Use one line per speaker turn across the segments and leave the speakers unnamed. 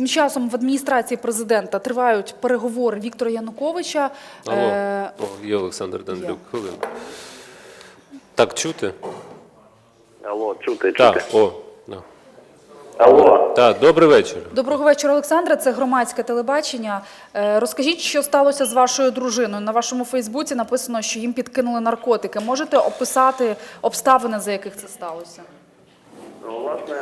Тим часом в адміністрації президента тривають переговори Віктора Януковича.
Алло, є Олександр Данилюк. Хвилину. Так, чути?
Алло, чути.
Так, да.
Алло.
Так, добрий вечір.
Доброго вечора, Олександре. Це громадське телебачення. Розкажіть, що сталося з вашою дружиною? На вашому Фейсбуці написано, що їм підкинули наркотики. Можете описати обставини, за яких це сталося?
Власне,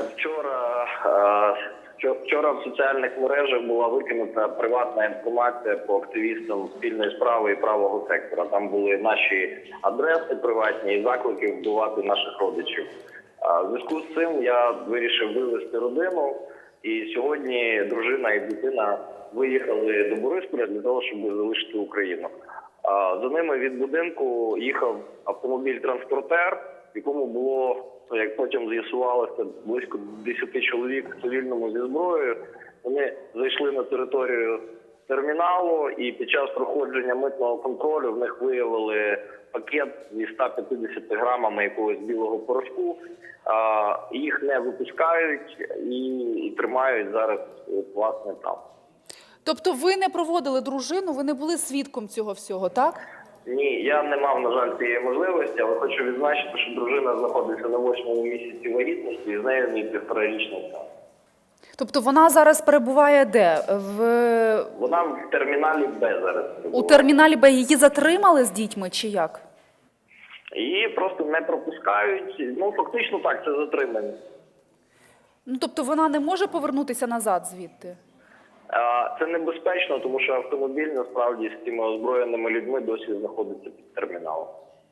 вчора в соціальних мережах була викинута приватна інформація по активістам спільної справи і правого сектора. Там були наші адреси приватні і заклики вбивати наших родичів. В зв'язку з цим я вирішив вивезти родину, і сьогодні дружина і дитина виїхали до Борисполя для того, щоб залишити Україну. За ними від будинку їхав автомобіль-транспортер, в якому було, як потім з'ясувалося, близько 10 чоловік в цивільному зі зброєю. Вони зайшли на територію терміналу, і під час проходження митного контролю в них виявили пакет зі 150 грамами якогось білого порошку. Їх не випускають і тримають зараз, власне, там.
Тобто ви не проводили дружину, ви не були свідком цього всього, так?
Ні, я не мав, на жаль, цієї можливості, але хочу відзначити, що дружина знаходиться на 8-му місяці вагітності, і з нею мій 1,5-річний син.
Тобто вона зараз перебуває де?
Вона в терміналі Б зараз перебуває.
У терміналі Б її затримали з дітьми чи як?
Її просто не пропускають. Ну, фактично так, це затримання.
Ну, тобто вона не може повернутися назад звідти?
Це небезпечно, тому що автомобіль, насправді, з цими озброєними людьми досі знаходиться під терміналом.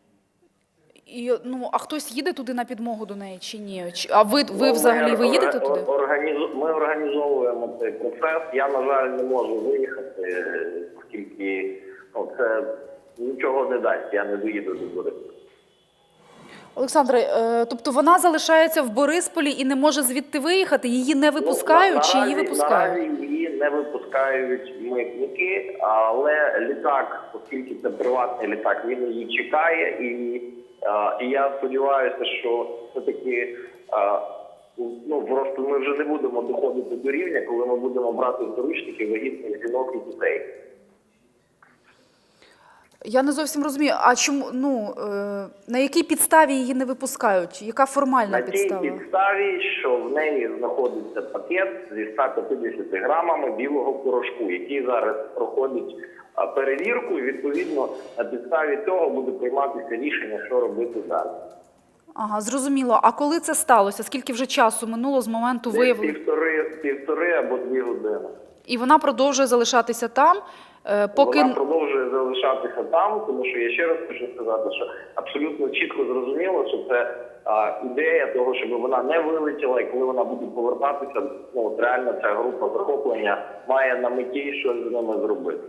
А хтось їде туди на підмогу до неї чи ні? А ви взагалі їдете туди?
Ми організовуємо цей процес. Я, на жаль, не можу виїхати, оскільки це нічого не дасть, я не доїду до Борисполя.
Олександре, тобто вона залишається в Борисполі і не може звідти виїхати? Її не випускають чи її випускають?
Наразі її не випускають митники, але літак, оскільки це приватний літак, він її чекає. І я сподіваюся, що все-таки просто ми вже не будемо доходити до рівня, коли ми будемо брати в заручники вагітних жінок і дітей.
Я не зовсім розумію, а чому, на якій підставі її не випускають? Яка формальна підстава?
На тій підставі, що в неї знаходиться пакет зі 150 грамами білого порошку, який зараз проходить перевірку, і відповідно на підставі цього буде прийматися рішення, що робити далі.
Ага, зрозуміло. А коли це сталося? Скільки вже часу минуло з моменту виявлення?
Півтори або 2 години.
І вона продовжує залишатися там, поки...
Вона продовжує залишатися там, тому що я ще раз хочу сказати, що абсолютно чітко зрозуміло, що це ідея того, щоб вона не вилетіла, і коли вона буде повертатися, реально ця група захоплення має на меті щось з ними зробити.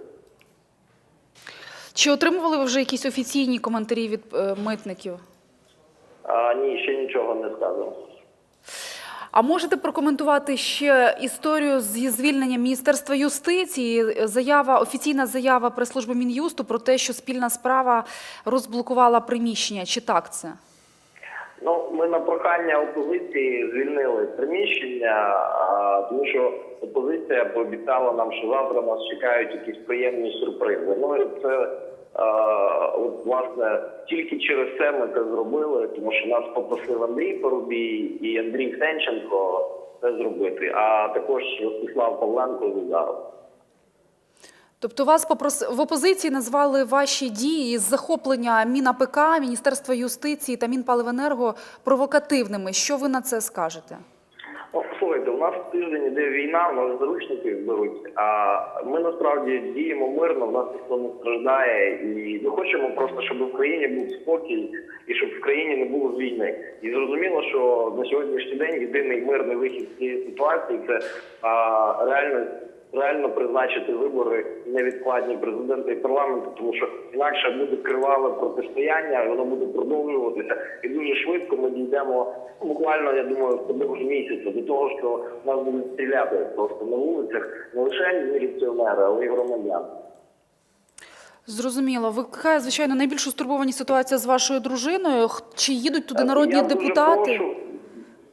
Чи отримували ви вже якісь офіційні коментарі від митників?
Ні, ще нічого не сказано.
А можете прокоментувати ще історію зі звільненням Міністерства юстиції? Офіційна заява прес-служби Мін'юсту про те, що спільна справа розблокувала приміщення. Чи так це?
Ми на прохання опозиції звільнили приміщення, тому що опозиція пообіцяла нам, що завтра нас чекають якісь приємні сюрпризи. І це, власне, тільки через це ми це зробили, тому що нас попросив Андрій Парубій і Андрій Сенченко це зробити, а також Ростислав Павленко з ударом.
Тобто вас в опозиції назвали ваші дії з захоплення МінАПК, Міністерства юстиції та Мінпаливенерго провокативними. Що ви на це скажете?
Слухайте, у нас тиждень іде війна, у нас заручників беруть, а ми насправді діємо мирно, в нас ніхто не страждає, і ми хочемо просто, щоб в країні був спокій і щоб в країні не було війни. І зрозуміло, що на сьогоднішній день єдиний мирний вихід з цієї ситуації – це реально призначити вибори невідкладні президента і парламенту, тому що інакше буде криваве протистояння, і воно буде продовжуватися. І дуже швидко ми дійдемо, буквально, я думаю, впродовж місяця, до того, що нас будуть стріляти просто на вулицях не лише міліціонери, але й громадяни.
Зрозуміло. Викликає, звичайно, найбільшу стурбованість ситуація з вашою дружиною. Чи їдуть туди народні депутати?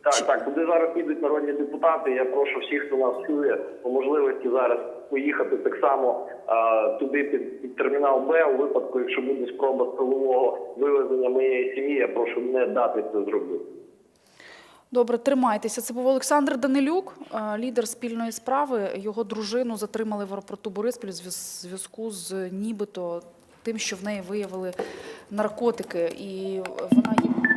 Так, туди зараз підуть народні депутати. Я прошу всіх, хто нас чує, по можливості зараз поїхати так само туди під термінал Б. У випадку, якщо буде спроба силового вивезення моєї сім'ї, я прошу не дати це зробити.
Добре, тримайтеся. Це був Олександр Данилюк, лідер спільної справи. Його дружину затримали в аеропорту Бориспіль у зв'язку з нібито тим, що в неї виявили наркотики. І вона є